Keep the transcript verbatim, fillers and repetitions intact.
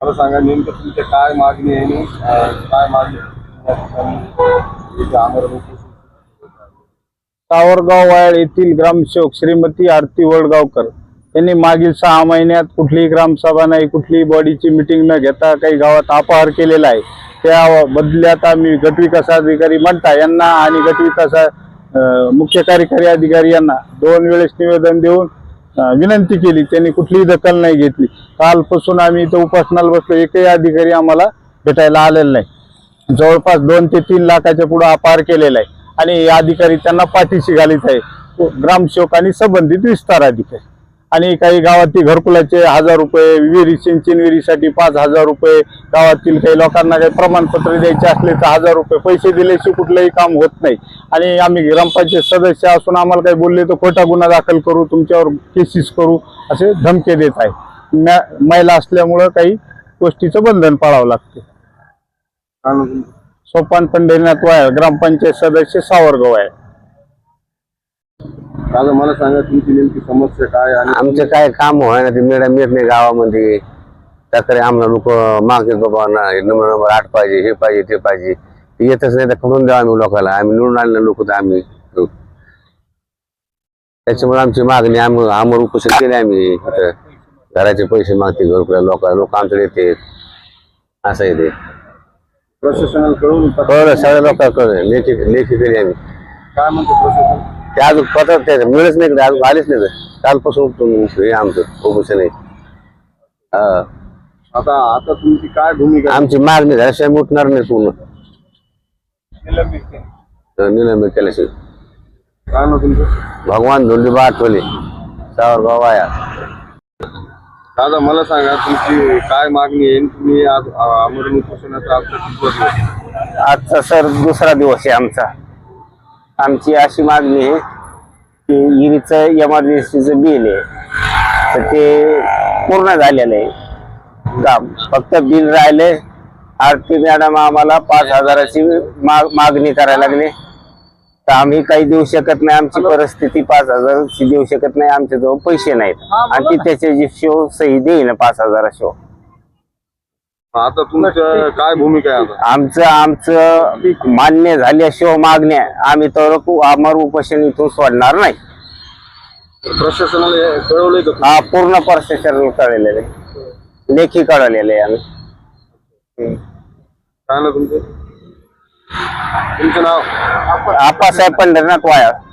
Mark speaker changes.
Speaker 1: मला सांगा नेमकं तुमच्या काय मागणी आहे आणि अं, काय मागणी या ठिकाणी इथे आमरण उपोषण
Speaker 2: सावरगाव वायाळ येथील ग्रामसेवक श्रीमती आरती वडगावकर यांनी मागील सहा महिन्यात कुठलीही ग्रामसभा नाही, कुठलीही बॉडीची मिटिंग न घेता काही गावात अपहार केलेला आहे। त्या बदल्यात आम्ही गटविकास अधिकारी म्हणता यांना आणि गटविकास मुख्य कार्यकारी अधिकारी यांना दोन वेळेस निवेदन देऊन विनंती केली, त्यांनी कुठलीही दखल नाही घेतली। कालपासून आम्ही इथं उपोषणाला बसलो, एकही अधिकारी आम्हाला भेटायला आलेला नाही। जवळपास दोन ते तीन लाखाच्या पुढे अपहार केलेला आहे आणि अधिकारी त्यांना पाठीशी घालीत आहे, ग्रामसेवक आणि संबंधित विस्तार अधिकारी। आणि काही गावातील घरकुलाचे हजार रुपये, विहिरी सिंचन विहिरीसाठी पाच हजार रुपये, गावातील काही लोकांना काही प्रमाणपत्र द्यायचे असले तर हजार रुपये पैसे दिल्याशिवाय कुठलंही काम होत नाही। आणि आम्ही ग्रामपंचायत सदस्य असून आम्हाला काही बोलले तर खोटा गुन्हा दाखल करू, तुमच्यावर केसेस करू असे धमके देत आहे। महिला असल्यामुळं काही गोष्टीचं बंधन पाळावं लागते। सोपान पंढरीनाथ वायाळ, ग्रामपंचायत सदस्य सावरगाव आहे।
Speaker 1: दादा मला सांगा तुमची नेमकी समस्या काय आणि
Speaker 3: आमचं काय काम होय ना ते मॅडम येत नाही गावामध्ये, त्याकडे आम्हाला लोक मागतात बाबा ना नंबर नंबर आठ पाहिजे, हे पाहिजे ते पाहिजे, ते येतच नाही तर करून द्यावं आम्ही लोकांना, आम्ही निवडून आणले लोक तर आम्ही त्याच्यामुळे आमची मागणी आम्ही आमर उपोषण केले। आम्ही घराचे पैसे मागते घर लोक लोक आमच्याकडे येते, असं आहे ते
Speaker 1: प्रशासनाला कळवून
Speaker 3: कळलं सगळ्या लोकांना कळलं, लेखी लेखी केली आम्ही।
Speaker 1: काय म्हणतो प्रशासन?
Speaker 3: ते अजून पत्र ते मिळच नाही, अजून आलेच नाही, कालपासून हे आमचं उपोषण आहे। हा
Speaker 1: आता आता तुमची काय भूमिका?
Speaker 3: आमची मागणी झाल्याशिवाय उठणार नाही पूर्ण, निलंबित केल्याशिवाय।
Speaker 1: काय ना तुमचं?
Speaker 3: भगवान धोंडीबा आठवले, सावरगाव वाया।
Speaker 1: दादा मला सांगा तुमची काय मागणी आहे? तुम्ही आज आमरण उपोषणाचा आजचा कितवा दिवस?
Speaker 3: आजचा सर दुसरा दिवस आहे आमचा। आमची अशी मागणी आहे की विहिरीचं एमर्जन्सीचं बिल आहे तर ते पूर्ण झालेलं आहे काम, फक्त बिल राहिले। आरती मॅडम आम्हाला पाच हजाराची माग मागणी करायला लागली तर आम्ही काही देऊ शकत नाही, आमची परिस्थिती पाच हजाराची देऊ शकत नाही, आमच्याजवळ पैसे नाहीत आणि ती त्याची शिव सही देईन पाच हजारा शिव।
Speaker 1: आता तुमचं काय भूमिका आहे? आता
Speaker 3: आमचं आमचं मान्य झाल्याशिवाय मागण्या आम्ही तर आमर उपोषण इथून सोडणार नाही।
Speaker 1: प्रशासनाला कळवलंय का?
Speaker 3: हा पूर्ण प्रशासनाला कळलेलं आहे, लेखी कळलेलं आहे आम्ही।
Speaker 1: काय ना तुमचं? तुमचं नाव?
Speaker 3: आप्पासाहेब पंढरीनाथ वायाळ।